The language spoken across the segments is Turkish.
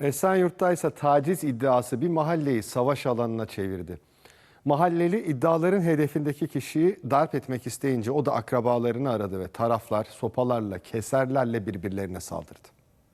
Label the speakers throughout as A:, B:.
A: Esenyurt'ta ise taciz iddiası bir mahalleyi savaş alanına çevirdi. Mahalleli iddiaların hedefindeki kişiyi darp etmek isteyince o da akrabalarını aradı ve taraflar sopalarla, keserlerle birbirlerine saldırdı.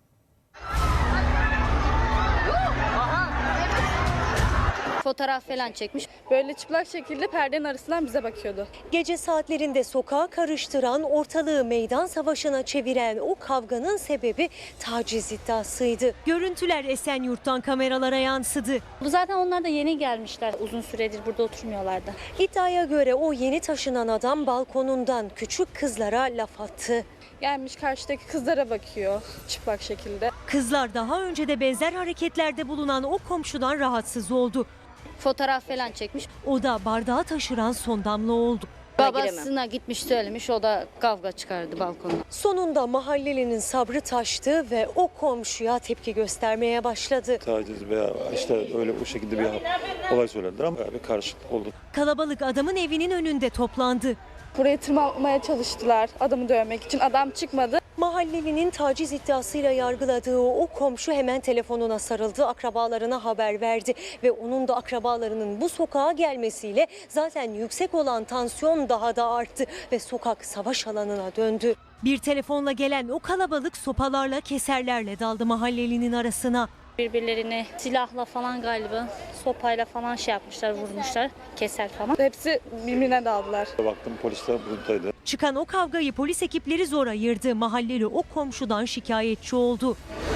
B: Fotoğraf falan çekmiş.
C: Böyle çıplak şekilde perdenin arasından bize bakıyordu.
D: Gece saatlerinde sokağı karıştıran, ortalığı meydan savaşına çeviren o kavganın sebebi taciz iddiasıydı. Görüntüler Esenyurt'tan kameralara yansıdı.
B: Bu zaten onlar da yeni gelmişler. Uzun süredir burada oturmuyorlardı.
D: İddiaya göre o yeni taşınan adam balkonundan küçük kızlara laf attı.
C: Gelmiş karşıdaki kızlara bakıyor çıplak şekilde.
D: Kızlar daha önce de benzer hareketlerde bulunan o komşudan rahatsız oldu.
B: Fotoğraf falan çekmiş.
D: O da bardağı taşıran son damla oldu.
B: Babasına gitmiş söylemiş, o da kavga çıkardı balkonda.
D: Sonunda mahallelinin sabrı taştı ve o komşuya tepki göstermeye başladı.
E: Taciz veya işte öyle o şekilde bir olay söylediler ama bir karışıklık oldu.
D: Kalabalık adamın evinin önünde toplandı.
C: Buraya tırmanmaya çalıştılar adamı dövmek için. Adam çıkmadı.
D: Mahallelinin taciz iddiasıyla yargıladığı o komşu hemen telefonuna sarıldı, akrabalarına haber verdi ve onun da akrabalarının bu sokağa gelmesiyle zaten yüksek olan tansiyon daha da arttı ve sokak savaş alanına döndü. Bir telefonla gelen o kalabalık sopalarla, keserlerle daldı mahallelinin arasına.
B: Birbirlerini silahla falan galiba, sopayla falan şey yapmışlar, vurmuşlar, keser falan.
C: Hepsi birbirine daldılar.
E: Baktım polisler buradaydı.
D: Çıkan o kavgayı polis ekipleri zor ayırdı. Mahalleli o komşudan şikayetçi oldu.